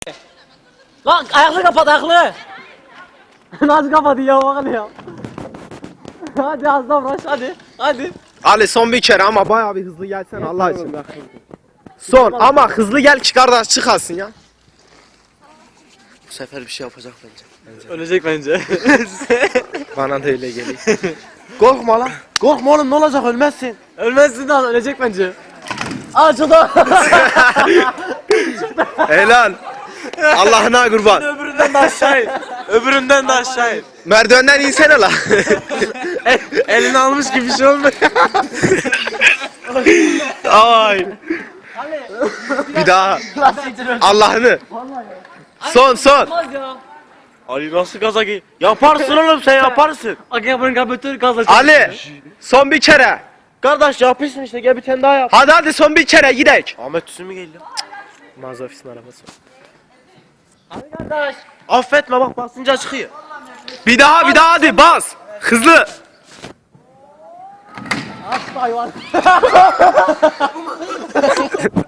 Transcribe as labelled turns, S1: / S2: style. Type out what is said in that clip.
S1: Lan ayaklı kapat ayaklı. Nasıl kapadı ya bakın ya. Hadi az daha uğraş hadi. Hadi.
S2: Ali son bir kere ama bayağı bir hızlı gelsen Allah için. Son ama hızlı gel ki kardeş çıkasın ya. Bu sefer bir şey yapacak bence.
S1: Ölecek bence.
S2: Bana da öyle geliyor. Korkma lan. Korkma oğlum ne olacak ölmezsin.
S1: Ölmezsin lan ölecek bence. Açıldı.
S2: Helal. Allah'ına kurban.
S1: Öbüründen de aşağı in. Öbüründen de aşağı in.
S2: Merdivenden insene lan.
S1: Elini almış gibi bir şey olmuyor.
S2: Ay. Bir daha. Allah'ını. Son.
S1: Olmaz ya.
S3: Ali nasıl gaza gi? Yaparsın oğlum sen yaparsın.
S1: Akabın kapatır gazla.
S2: Ali. Son bir kere.
S3: Kardeş yapıyorsun işte gel bir tane daha yap.
S2: Hadi son bir kere gidek.
S3: Ahmet Tüsün mü geliyor?
S2: Mağaza ofisinin arabası.
S1: Hadi kardeş.
S3: Affetme bak basınca çıkıyor.
S2: Bir daha hadi bas. Hızlı.
S1: Asla hayvan.